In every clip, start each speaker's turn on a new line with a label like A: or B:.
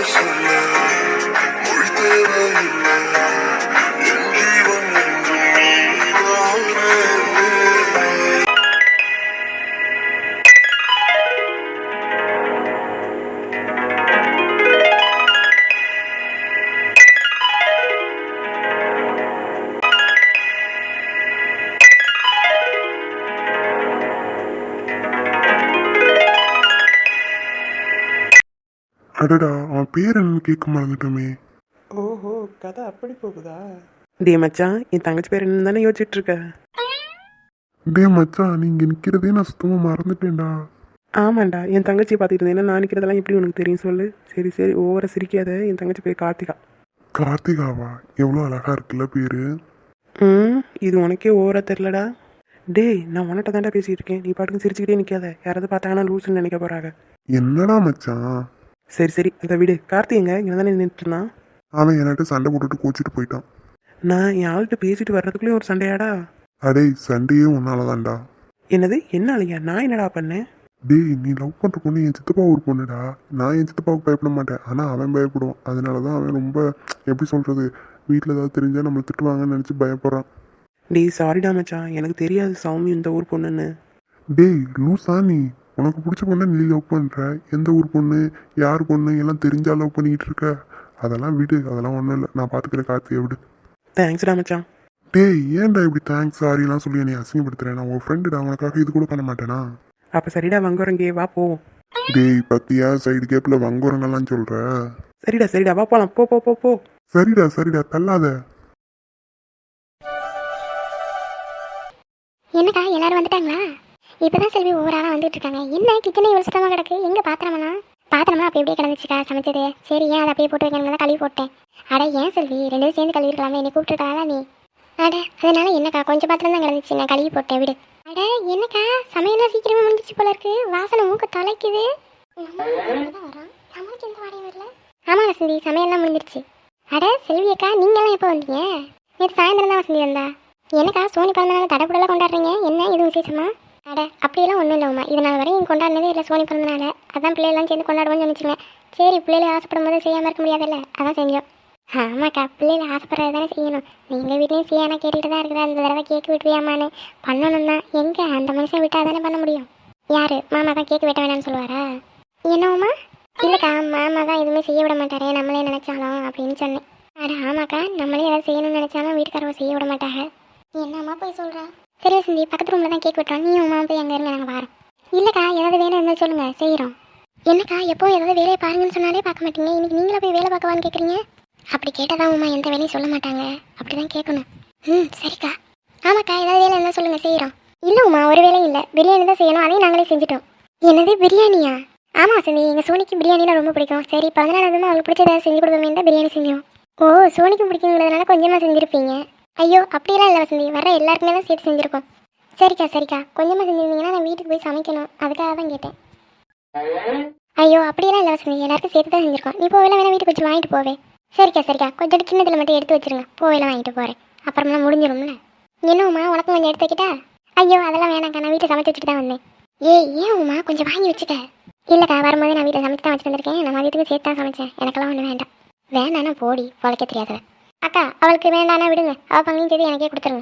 A: சொல்ல மொழி தேவையில்லை என் ஜீவன் என்றும் நீதானே. அடடா, அவன் பேர் என்னன்னு கேட்க மறந்துட்டோமே.
B: ஓஹோ, கதை அப்படி போகுதா? டே மச்சான், என் தங்கச்சி பேர் என்னன்னு தானே யோசிச்சுட்டு இருக்க?
A: டே மச்சான், நீங்க நிக்கிறதே நான் சுத்தமா மறந்துட்டேன்டா.
B: ஆமாண்டா, என் தங்கச்சியை பார்த்துட்டு இருந்தேன். நான் நிற்கிறதெல்லாம் எப்படி உனக்கு தெரியும் சொல்லு? சரி சரி, ஓவர சிரிக்காத. என் தங்கச்சி பேர் கார்த்திகா.
A: கார்த்திகாவா? எவ்வளோ அழகா இருக்குல்ல பேரு.
B: இது உனக்கே ஓவரா தெரிலடா. டேய், நான் உன்கிட்ட தாண்டா பேசிட்டு இருக்கேன். நீ பாட்டுக்கு சிரிச்சுக்கிட்டே நிற்காத. யாராவது பார்த்தாங்கன்னா லூசுன்னு நினைக்க போறாங்க.
A: என்னடா மச்சான்?
B: சரி சரி, அதை விடு. கார்த்தி எங்க இங்கே தானே நின்றுட்டு இருந்தான்.
A: அவன் என்கிட்ட சண்டை போட்டுட்டு கோச்சிட்டு போயிட்டான்.
B: நான் என் ஆள்கிட்ட பேசிட்டு வர்றதுக்குள்ளேயும் ஒரு சண்டையாடா?
A: அடே, சண்டையே உன்னாலதான்டா.
B: என்னது? என்ன அழியா? நான் என்னடா பண்ணேன்?
A: டேய், நீ லவ் பண்ற பொண்ணு என் சித்தப்பா ஒரு பொண்ணுடா. நான் என் சித்தப்பாவுக்கு பயப்பட மாட்டேன், ஆனால் அவன் பயப்படுவான். அதனாலதான் அவன் ரொம்ப, எப்படி சொல்றது, வீட்டில் ஏதாவது தெரிஞ்சா நம்மளை திட்டுவாங்கன்னு நினச்சி பயப்படுறான்.
B: டேய் சாரிடா மச்சான், எனக்கு தெரியாது சௌமி இந்த ஊர் பொண்ணுன்னு.
A: டேய் லூசா நீ? உனக்கு பிடிச்ச பொண்ணை நீ லவ் பண்ணுற. எந்த ஊர் பொண்ணு, யார் பொண்ணு எல்லாம் தெரிஞ்சா லவ் பண்ணிக்கிட்டு இருக்க? அதெல்லாம் விடு, அதெல்லாம் ஒன்றும் இல்லை. நான் பார்த்துக்கிறேன் கார்த்தியை, விடு.
B: தேங்க்ஸ்டா மச்சான்.
A: டேய், ஏன்டா இப்படி தேங்க்ஸ் சாரிலாம் சொல்லி என்னை அசிங்கப்படுத்துறேன்? நான் உன் ஃப்ரெண்டுடா, உனக்காக இது கூட பண்ண மாட்டேனா?
B: அப்போ சரிடா, வங்குறங்கே வா போவோம்.
A: டேய் பத்தியா, சைடு கேப்பில் வங்குறங்கெல்லாம் சொல்கிற?
B: சரிடா சரிடா, வா போலாம். போ போ போ போ.
A: சரிடா சரிடா, தள்ளாத.
C: என்னக்கா எல்லாரும் வந்துட்டாங்களா? இப்பதான் செல்வி ஒவ்வொரு ஆளாக வந்துட்டு இருக்காங்க. என்ன கிச்சனே இவ்வளோ சுத்தமாக கிடக்கு? எங்க பாத்திரமெல்லாம் அப்படி அப்படியே கிடந்துச்சுக்கா சமைச்சது. சரி, ஏன் அதை அப்படியே போட்டு வைக்கணும் தான் கழுவி போட்டேன். அட ஏன் செல்வி, ரெண்டு பேரும் சேர்ந்து கழுவி இருக்கலாமே, என்னை கூப்பிட்டுருக்காளா நீ? அட அதனால என்னக்கா, கொஞ்சம் பாத்திரம் தான் கிடந்துச்சு, நான் கழுவி போட்டேன், விடு. அட என்னக்கா, சமையல்லாம் சீக்கிரமா முடிஞ்சிச்சு போல இருக்கு. வாசனை மூக்க தொலைக்குது. நம்மளுக்கு எந்த வாடையும் வரல. ஆமா வசந்தி, சமையல்லாம் முடிஞ்சிருச்சு. அட செல்வி அக்கா, நீங்கெல்லாம் எப்போ வந்தீங்க? நேற்று சாயந்தரம் தான் வசந்தி வந்தா. என்னக்கா, சோனி பிறந்தநாள் தடப்புடலாம் கொண்டாடுறீங்க? என்ன இது விசேஷமா? அட அப்படியெல்லாம் ஒன்றும் இல்லைம்மா, இதனால் வரையும் கொண்டாடினதே இல்லை சோனி பிறந்தனால. அதான் பிள்ளைகள்லாம் சேர்ந்து கொண்டாடுவோம்னு நினச்சிங்க. சரி, பிள்ளைகளை ஆசைப்படும் போது செய்யாமல் இருக்க முடியாதுல்ல, அதான் செஞ்சோம். ஆமாக்கா, பிள்ளைகளை ஆசைப்படுறது தானே செய்யணும். நீங்கள் வீட்லேயும் செய்யானா கேட்டுக்கிட்டு தான் இருக்கிற. அந்த தடவை கேக்கு விட்டுவியாமான்னு பண்ணணும் தான். எங்கே அந்த மனுஷன் விட்டால் தானே பண்ண முடியும். யார் மாமா தான் கேக்கு வெட்ட வேணாம்னு சொல்லுவாரா? என்னவுமா? இல்லைக்கா, மாமா தான் எதுவுமே செய்ய விட மாட்டாரே நம்மளே நினச்சாலும் அப்படின்னு சொன்னேன். அட ஆமாக்கா, நம்மளே ஏதாவது செய்யணும்னு நினச்சாலும் வீட்டுக்காரவை செய்ய விட மாட்டாங்க. என்னம்மா போய் சொல்கிறா? சரி வசந்தி, பக்கத்து ரூமில் தான் கேக் வெட்டுறோம். நீ உமா போய் அங்கே இருங்க, நாங்கள் வரோம். இல்லைக்கா, ஏதாவது வேலை இருந்தால் சொல்லுங்கள், செய்கிறோம். என்னக்கா, எப்போ ஏதாவது வேலையை பாருங்கன்னு சொன்னாலே பார்க்க மாட்டீங்க. இன்னைக்கு நீங்களே போய் வேலை பார்க்கவான்னு கேட்குறீங்க? அப்படி கேட்டால் உமா எந்த வேலையும் சொல்ல மாட்டாங்க. அப்படி தான் கேட்கணும். சரிக்கா. ஆமாக்கா, ஏதாவது வேலை இருந்தால் சொல்லுங்கள், செய்கிறோம். இல்லை உமா, ஒரு வேலையும் இல்லை. பிரியாணி தான் செய்யணும், அதையும் நாங்களே செஞ்சுட்டோம். என்னது பிரியாணியா? ஆமாம் வசந்தி, எங்கள் சோனிக்கு பிரியாணினா ரொம்ப பிடிக்கும். சரி, 14 அவங்களுக்கு பிடிச்ச ஏதாவது செஞ்சு கொடுப்போமே தான் பிரியாணி செஞ்சோம். ஓ, சோனிக்கு பிடிக்குங்கிறதுனால கொஞ்சமாக செஞ்சுருப்பீங்க. ஐயோ அப்படிலாம் இல்லை வசந்தி, வர எல்லாருக்குமே தான் சேர்த்து செஞ்சுருக்கோம். சரிக்கா சரிக்கா, கொஞ்சமாக செஞ்சுருந்தீங்கன்னா நான் வீட்டுக்கு போய் சமைக்கணும், அதுக்காக தான் கேட்டேன். ஐயோ அப்படியெல்லாம் இல்லை வசந்தி, எல்லாருக்கும் சேர்த்து தான் செஞ்சுருக்கோம். நீ போவேல வேணா வீட்டுக்கு வச்சு வாங்கிட்டு போவே. சரிக்கா சரிக்கா, கொஞ்சம் கிண்ணத்தில் மட்டும் எடுத்து வச்சிருங்க, போவேல வாங்கிட்டு போகிறேன். அப்புறமெல்லாம் முடிஞ்சிடும்ல. என்னம்மா, உனக்கும் கொஞ்சம் எடுத்து வைக்கிட்டா? ஐயோ அதெல்லாம் வேணாக்கா, நான் வீட்டை சமைச்சு வச்சுட்டு தான் வந்தேன். ஏன் உமா, கொஞ்சம் வாங்கி வச்சுக்க. இல்லைக்கா, வரும்போது நான் வீட்டை சமைச்சு தான் வச்சுட்டு வந்திருக்கேன். நான் மதியத்துக்கு சேர்த்து தான் சமைச்சேன். எனக்கெல்லாம் ஒன்றும் வேண்டாம். வேணானா போடி, பொழைக்க தெரியாதவ. அக்கா, அவளுக்கு வேண்டானா விடுங்க, அவள் பங்கையும் செய்து எனக்கே கொடுத்துருங்க.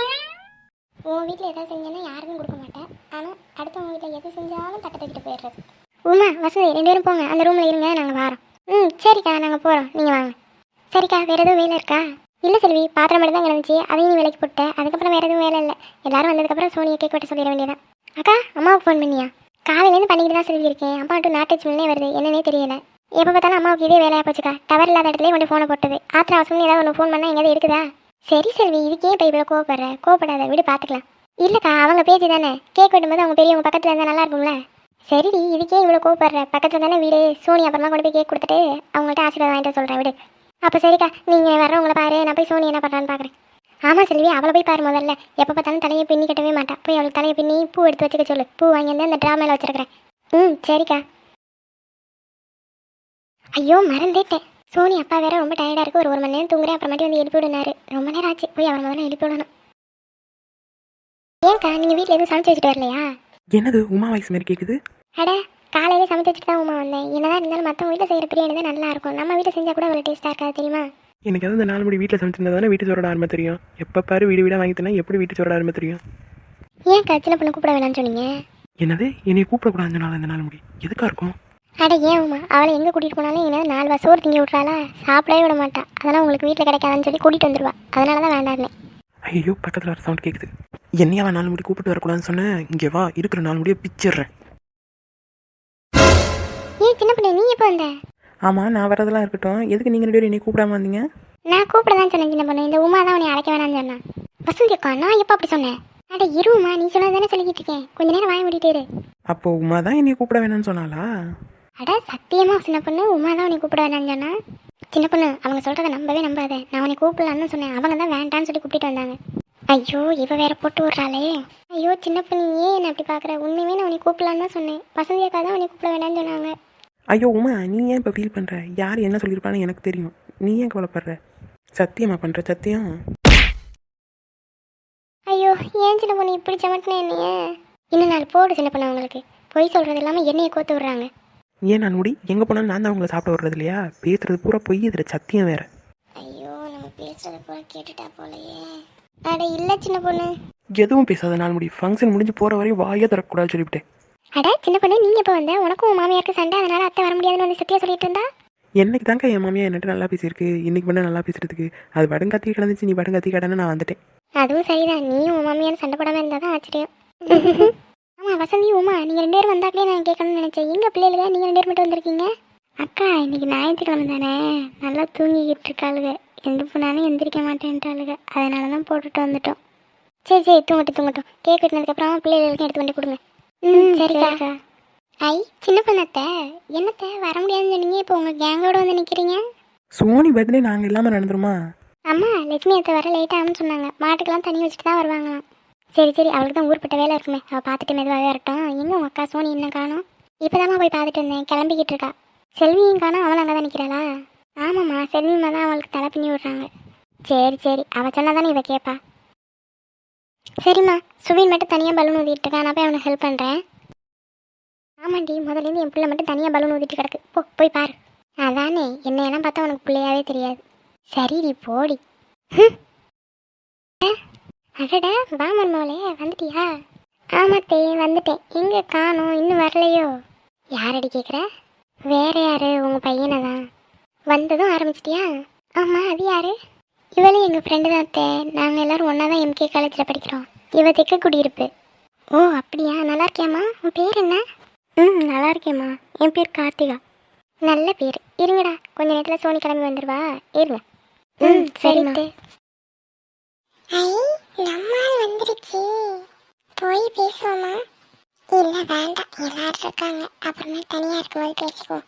C: உன் வீட்டில் எதாவது செஞ்சேன்னா யாருக்கும் கொடுக்க மாட்டேன். ஆனால் அடுத்தவங்க வீட்டில் எது செஞ்சாலும் தட்டை தூக்கிட்டு போயிடுறது. உமா வசதி, 2 பேரும் போங்க, அந்த ரூமில் இருங்க, நாங்கள் வரோம். சரிக்கா, நாங்கள் போகிறோம், நீங்கள் வாங்க. சரிக்கா, வேறு எதுவும் வேலை இருக்கா? இல்லை செல்வி, பாத்திரம் மட்டும் தான் கிடந்துச்சு, அதையும் நீ விலைக்கு போட்டேன். அதுக்கப்புறம் வேறு எதுவும் வேலை இல்லை. எல்லாரும் வந்ததுக்கப்புறம் சோனியை கேக் வெட்ட சொல்லிட வேண்டியதான். அக்கா, அம்மாவுக்கு ஃபோன் பண்ணியா? காலையிலேருந்து பண்ணிக்கிட்டு தான் செல்வி இருக்கேன். அம்மா டு நாட்டு மில்லே வருது, என்னன்னே தெரியல. எப்போ பார்த்தாலும் அம்மாவுக்கு இதே வேலையாக போச்சுக்கா. டவர் இல்லாத இடத்துலேயே கொண்டு ஃபோனை போட்டது. ஆத்திர அவசரம் ஏதாவது ஒன்று ஃபோன் பண்ணால் எங்கேயாவது இருக்குதா? சரி செல்வி, இதுக்கே இப்போ இவ்வளோ கோவப்படுற? கோவப்படாத, விடு, பார்த்துக்கலாம். இல்லைக்கா, அவங்க பேச்சு தானே. கேக் வெட்டும்போது அவங்க பெரியவங்க பக்கத்தில் இருந்தால் நல்லா இருக்கும்ல. சரிடி, இதுக்கே இவ்வளோ கோவப்படுற? பக்கத்தில் தானே வீடு. சோனி அப்புறமா கொண்டு போய் கேக் கொடுத்துட்டு அவங்கள்ட்ட ஆசீர்வாதம் வாங்கிட்டு சொல்கிறேன், விடு. அப்போ சரிக்கா, நீங்கள் வர்றவங்களை பாரு, நான் போய் சோனி என்ன பண்ணுறான்னு பார்க்குறேன். ஆமாம் செல்வி, அவளை போய் பாரு முதல்ல. எப்போ பார்த்தாலும் தலையை பின்னி கட்டவே மாட்டா. போய் அவளுக்கு தலையை பின்னி பூ எடுத்து வச்சுக்க சொல்லு. பூ வாங்கி வந்து அந்த ட்ராமையில் வச்சுருக்கிறேன். சரிக்கா. ஐயோ மறந்துட்டேன், சோனி அப்பா வேற ரொம்ப டயர்டாக இருக்குது. ஒரு மணி நேரம் தூங்குறேன், அப்புறமாட்டி வந்து எழுப்பி விடுனாரு. ரொம்ப நேரம் ஆச்சு, போய் அவர் முதல்ல எழுப்பி விடணும். ஏன்க்கா, நீங்கள் வீட்டில் எதுவும் சமைச்சு வச்சுட்டு வரலையா?
B: என்னது உமா வாய்ஸ் மாதிரி கேட்குது?
C: அட காலையிலே சமைச்சு வச்சுட்டு தான் உமா வந்தேன். என்னதான் இருந்தாலும் மற்றவங்க வீட்டில் செய்கிற பிரியாணி தான் நல்லா இருக்கும். நம்ம வீட்டில் செஞ்சால் கூட அவ்வளோ டேஸ்ட்டாக இருக்காது தெரியுமா?
B: எனக்கு எதாவது இந்த 4 மணி வீட்டில் சமைச்சிருந்தா தானே வீட்டு சோறோட ஆரம்பம் தெரியும். எப்போ பாரு வீடு வீடாக வாங்கி தந்தா எப்படி வீட்டு சோறோட ஆரம்பம் தெரியும்?
C: ஏன்க்கா சின்ன பொண்ணு கூப்பிட வேணாம்னு சொன்னீங்க?
B: என்னது என்னை கூப்பிடக்கூடாது இந்த 4 மணி எதுக்காக இருக்கும்?
C: அட ஏன் உமா, அவளை எங்கே கூட்டிகிட்டு போனாலும் என்ன 4 வா சோறு திங்கி விட்றாளா? சாப்பிடவே விட மாட்டா. அதெல்லாம் உங்களுக்கு வீட்டில் கிடைக்காதுன்னு சொல்லி கூட்டிகிட்டு வந்துடுவா. அதனால தான் வேண்டாருனே.
B: ஐயோ பக்கத்தில் வர சவுண்ட் கேட்குது. என்னையா 4 மணி கூப்பிட்டு வரக்கூடாதுன்னு சொன்னேன். இங்கே வா, இருக்கிற 4 முடியை பிச்சிடுறேன்.
C: ஏன் சின்ன பொண்ணு நீ எப்போ வந்த?
B: ஆமாம், நான் வரதெல்லாம் இருக்கட்டும். எதுக்கு நீங்கள் 2 பேரும் என்னை கூப்பிடாம வந்தீங்க?
C: நான் கூப்பிட தான் சொன்னேன் சின்ன பொண்ணு. இந்த உமா தான் உன்னை அழைக்க வேணாம்னு சொன்னான். வசந்தி அக்கா, நான் எப்போ அப்படி சொன்னேன்? அட இருமா, நீ சொன்னது தானே சொல்லிக்கிட்டு இருக்கேன். கொஞ்ச நேரம் வாய மூடிட்டே இரு.
B: அப்போது உமா தான் என்னை கூப்பிட வேணாம்னு சொன்னாலா?
C: அட சத்தியமா சின்ன பொண்ணு, உமா தான் உன்னை கூப்பிட வேணாம்னு சொன்னா. சின்ன பொண்ணு, அவங்க சொல்கிறத நம்பவே நம்பாத. நான் உன்னை கூப்பிடலான்னு சொன்னேன். அவங்க தான் வேண்டான்னு சொல்லி கூப்பிட்டு வந்தாங்க. ஐயோ இவ வேற போட்டு விட்றாளே. ஐயோ சின்ன பொண்ணு, ஏன் என்ன அப்படி பார்க்குற? உண்மையுமே நான் உன்னை கூப்பிடலான்னு தான் சொன்னேன். வசந்தி அக்கா தான் உன்னை கூப்பிட வேணாம்னு சொன்னாங்க.
B: ஐயோ உமா, நீ ஏன் இப்போ ஃபீல் பண்ணுற? யார் என்ன சொல்லியிருப்பான்னு எனக்கு தெரியும். நீ ஏன் கவலைப்படுற? சத்தியமா பண்ணுற சத்தியம்?
C: ஐயோ ஏன் சின்ன பொண்ணு இப்படி சமட்டினே என்னைய? இன்னும் 4 போடு சின்ன பொண்ணு. அவங்களுக்கு பொய் சொல்கிறது இல்லாமல் என்னையை கோத்து விட்றாங்க.
B: ஏன் நான் முடி எங்கே போனாலும் நான் தான் அவங்கள சாப்பிட விடுறது இல்லையா? பேசுறது பூரா பொய், இதில் சத்தியம் வேற.
C: ஐயோ நம்ம பேசுறத பூரா கேட்டுட்டா போலையே. அட இல்லை சின்ன பொண்ணு.
B: எதுவும் பேசாத 4 முடி. ஃபங்க்ஷன் முடிஞ்சு போகிற வரையும் வாயே தரக்கூடாதுன்னு சொல்லிவிட்டேன்.
C: அட சின்ன பொண்ணு, நீங்கள் இப்போ வந்த உனக்கும் உன் மாமியாருக்கு சண்டை, அதனால அத்தை வர முடியாதுன்னு வந்து சத்தியா சொல்லிட்டு இருந்தா.
B: என்னைக்கு தாங்க என் மாமியா என்கிட்ட நல்லா பேசியிருக்கு. இன்னைக்கு பண்ண நல்லா பேசுறதுக்கு அது வடங்காத்தி கிடந்துச்சு. நீ வடங்காத்தி கடன்னு நான் வந்துட்டேன்.
C: அதுவும் சரிதான். நீயும் உன் மாமியார் சண்டை போடாமல் இருந்தால் தான் ஆச்சரியம். ஆமாம் வசந்தி உமா, நீங்கள் 2 பேரும் வந்தாக்களே நான் கேட்கணும்னு நினச்சேன். எங்கே பிள்ளைகளுங்க நீங்கள் 2 பேர் மட்டும் வந்திருக்கீங்க? அக்கா இன்னைக்கு ஞாயிற்றுக்கிழமை தானே, நல்லா தூங்கிக்கிட்டு இருக்காளுங்க. எந்திரிப்புனாலும் எந்திரிக்க மாட்டேன்ட்டாளுங்க. அதனால தான் போட்டுட்டு வந்துட்டோம். சரி சரி தூங்கட்டும். கேக் வெட்டினதுக்கப்புறம் பிள்ளைகளுக்கும் எடுத்து கொண்டு கொடுங்க. சரிக்கா. ஐ சின்ன பொண்ணத்தை, என்னத்தை வர முடியாதுன்னு சொன்னீங்க, இப்போ உங்கள் கேங்கோட வந்து நிற்கிறீங்க?
B: சோனி பர்த்டே நாங்கள் இல்லாமல் நடந்துருமா?
C: அம்மா லட்சுமி அத்தை வர லேட்டாகும்னு சொன்னாங்க. மாட்டுக்கெல்லாம் தண்ணி வச்சுட்டு தான் வருவாங்களாம். சரி அவளுக்கு தான் ஊர்பட்ட வேலை இருக்குமே, அவள் பார்த்துட்டு மெதுவாகவே வரட்டும். எங்கே உங்கள் அக்கா சோனி என்ன காணோம்? இப்போ தாம்மா போய் பார்த்துட்டு வந்தேன், கிளம்பிக்கிட்டு இருக்கா. செல்வியும் காணோம், அவள் அங்கே தான் நிற்கிறாளா? ஆமாம்மா, செல்விமா தான் அவளுக்கு தலை பின்னி விட்றாங்க. சரி அவள் சொன்னால் தானே இவள் கேட்பா. சரிம்மா, சுவீன் மட்டும் தனியாக பலூன் ஊதிட்டு இருக்கா, நான் போய் அவனுக்கு ஹெல்ப் பண்ணுறேன். ஆமாண்டி, முதல்லேருந்து என் பிள்ளை மட்டும் தனியாக பலூன் ஊதிட்டு கிடக்கு. போய் பாரு. அதானே, என்னையெல்லாம் பார்த்தா உனக்கு பிள்ளையாவே தெரியாது. சரிடி போடி. அடடா வா மர்மோளே, வந்துட்டியா? ஆமாத்தே வந்துட்டேன். எங்கே காணோம், இன்னும் வரலையோ? யாரடி கேட்குற? வேற யாரு, உங்கள் பையனை தான். வந்ததும் ஆரம்பிச்சிட்டியா? ஆமாம் அது யாரு? இவளே எங்கள் ஃப்ரெண்டு தான் அத்தை. நாங்கள் எல்லோரும் ஒன்றா தான் MK காலேஜில் படிக்கிறோம். இவ தெக்க குடியிருப்பு. ஓ அப்படியா, நல்லா இருக்கியாம்மா? உன் பேர் என்ன? நல்லா இருக்கேம்மா. என் பேர் கார்த்திகா. நல்ல பேர். இருங்கடா, கொஞ்ச நேரத்தில் சோனி கிளம்பி வந்துடுவா, இருங்க. சரிம்மா. ஐ நம்மால் வந்துருச்சு. போய் பேசுவோமா? இல்லை வேண்டாம், எல்லாரும் இருக்காங்க, அப்புறமே தனியாக இருக்கும்போது பேசிக்குவோம்.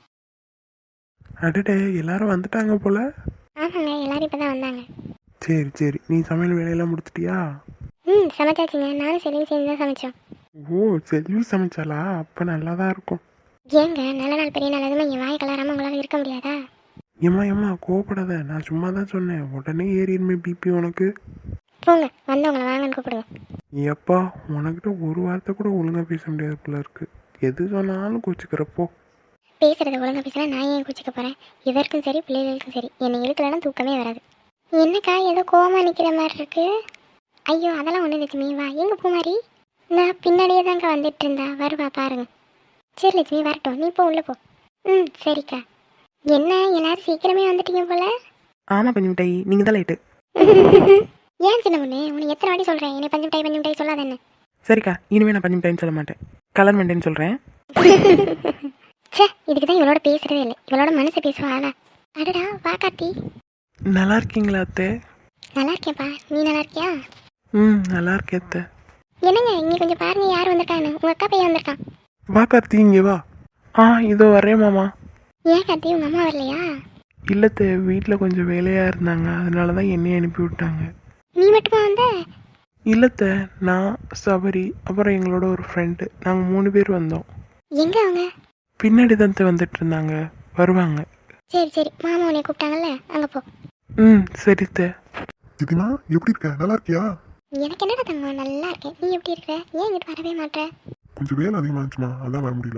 A: அடடே எல்லாரும் வந்துட்டாங்க போல.
C: ஆமாங்க, எல்லாரும் இப்போ தான் வந்தாங்க.
A: சரி நீ சமையல் வேலையெல்லாம் முடிச்சிட்டியா?
C: சமைச்சாச்சுங்க. நானும் செல்வி சேர்ந்து தான் சமைச்சோம்.
A: ஓ செல்வி சமைச்சாலா? அப்போ நல்லா தான் இருக்கும்.
C: ஏங்க நல்ல நாள் பெரிய நாள், அதுவும் என் வாய் கலராமல் உங்களால் இருக்க முடியாதா?
A: ஏம்மா கோவப்படாத, நான் சும்மா தான் சொன்னேன். உடனே ஏறிடுமே பிபி உனக்கு.
C: போங்க, வந்தவங்களை வாங்கன்னு கூப்பிடுங்க.
A: எப்பா உனக்கிட்ட ஒரு வார்த்தை கூட ஒழுங்காக பேச முடியாது போல இருக்கு. எது சொன்னாலும் கோச்சிக்கிறப்போ.
C: பேசுகிறத ஒழுங்காக பேசினா நான் ஏன் குச்சிக்க போகிறேன்? இதற்கும் சரி பிள்ளைகளுக்கும் சரி, என்னை இழுக்கலன்னா தூக்கமே வராது. என்னக்கா ஏதோ கோவமாக நிற்கிற மாதிரி இருக்கு? ஐயோ அதெல்லாம் ஒன்றும் லட்சுமி, வா. எங்கே பூமாரி? நான் பின்னாடியே தாங்க வந்துட்டு இருந்தா, வருவா பாருங்க. சரி லட்சுமி வரட்டும், நீ போ, உள்ளே போ. சரிக்கா. என்ன எல்லாரும் சீக்கிரமே வந்துட்டீங்க போல?
B: ஆமாம் பஞ்சு மிட்டாய், நீங்கள் தான் லைட்டு.
C: ஏன் சின்ன பொண்ணு, உனக்கு எத்தனை வாட்டி சொல்கிறேன் என்னை பஞ்சு மிட்டாய் சொல்லாத என்ன?
B: சரிக்கா, இனிமேல் நான் பஞ்சு மிட்டாயின்னு சொல்ல மாட்டேன், கலர் மெண்டேன்னு சொல்கிறேன்.
C: சே, இதுக்கு தான் இவளோட பேசுகிறதே இல்லை. இவளோட மனசை பேசுவாளா? அடடா வா கார்த்தி.
B: நல்லா இருக்கீங்களா அத்தை?
C: நல்லா இருக்கேன்ப்பா, நீ நல்லா இருக்கியா?
B: நல்லா இருக்கேன் அத்தை.
C: என்னங்க இங்கே கொஞ்சம் பாருங்க, யார் வந்திருக்கான்னு. உங்கள் அக்கா பையன் வந்திருக்கான்.
A: வா கார்த்தி இங்கே வா.
B: இதோ வரேன் மாமா.
C: ஏன் கார்த்தி, உங்கள் அம்மா வரலையா?
A: இல்லத்தை, வீட்டில் கொஞ்சம் வேலையாக இருந்தாங்க, அதனால தான் என்னையை அனுப்பி விட்டாங்க.
C: நீ மட்டுமா வந்த?
A: இல்லத்தை, நான் சபரி அப்புறம் எங்களோட ஒரு ஃப்ரெண்டு, நாங்கள் 3 பேர் வந்தோம்.
C: எங்கே அவங்க?
A: பின்னாடி தான் வந்துட்டு இருந்தாங்க, வருவாங்க.
C: சரி மாமா உன்னை கூப்பிட்டாங்கல்ல, அங்கே போ.
A: சரித்த.
D: இதுனா எப்படி இருக்க? நல்லா இருக்கியா?
C: எனக்கு என்னடா தங்கம், நல்லா இருக்கேன். நீ எப்படி இருக்க? ஏன் இங்கிட்டு வரவே மாட்டேற?
D: கொஞ்சம் வேலை அதிகமாகிடுச்சுமா, அதான் வர முடியல.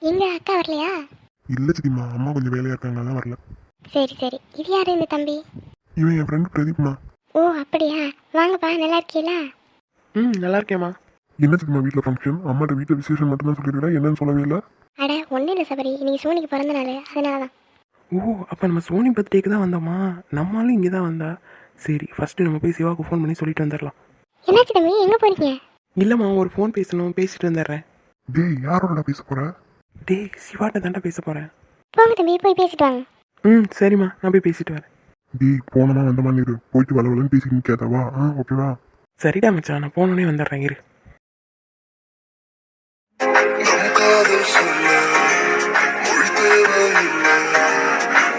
C: எங்க அக்கா வரலையா?
D: இல்லை சித்திமா, அம்மா கொஞ்சம் வேலையாக இருக்காங்க, அதான் வரல.
C: சரி சரி. இது யாரு இந்த தம்பி?
D: இவன் என் ஃப்ரெண்டு பிரதீப்மா.
C: ஓ அப்படியா? வாங்கப்பா, நல்லா இருக்கீங்களா?
B: ம் நல்லா இருக்கேம்மா.
D: என்ன சித்திமா வீட்டில் ஃபங்க்ஷன்? அம்மாட்ட வீட்டில் விசேஷம் மட்டும்தான் சொல்லியிருக்கா, என்னன்னு சொல்லவே இல்லை.
C: அட ஒன்றும் இல்லை சபரி, இன்னைக்கு சோனிக்கு பிறந்த நாள், அதனால தான்.
B: ஓ அப்போ நம்ம சோனி பர்த்டேக்கு தான் வந்தோமா? நம்மளும் இங்கே தான் வந்தா. சரி ஃபஸ்ட்டு நம்ம போய் சிவாவுக்கு ஃபோன் பண்ணி சொல்லிட்டு வந்துடலாம்.
C: என்னாச்சு தம்பி, எங்கே போறீங்க?
B: இல்லைம்மா ஒரு ஃபோன் பேசணும், பேசிட்டு வந்துடுறேன்.
D: டேய், யாரோட பேச போற?
B: டேய் சிவாட்ட தாண்டா பேச போகிறேன்.
C: போங்க தம்பி, போய் பேசிட்டு வாங்க.
B: ம் சரிம்மா நான் போய் பேசிட்டு வரேன்.
D: டேய், போனமா வந்தமா இரு, போயிட்டு வளவலன்னு பேசிட்டு நிற்காதவா? ஓகேவா?
B: சரிடா மச்சான், நான் போனோடனே வந்துடுறேன் இரு.
E: நம் காதல் சொல்ல மொழி தேவையில்லை.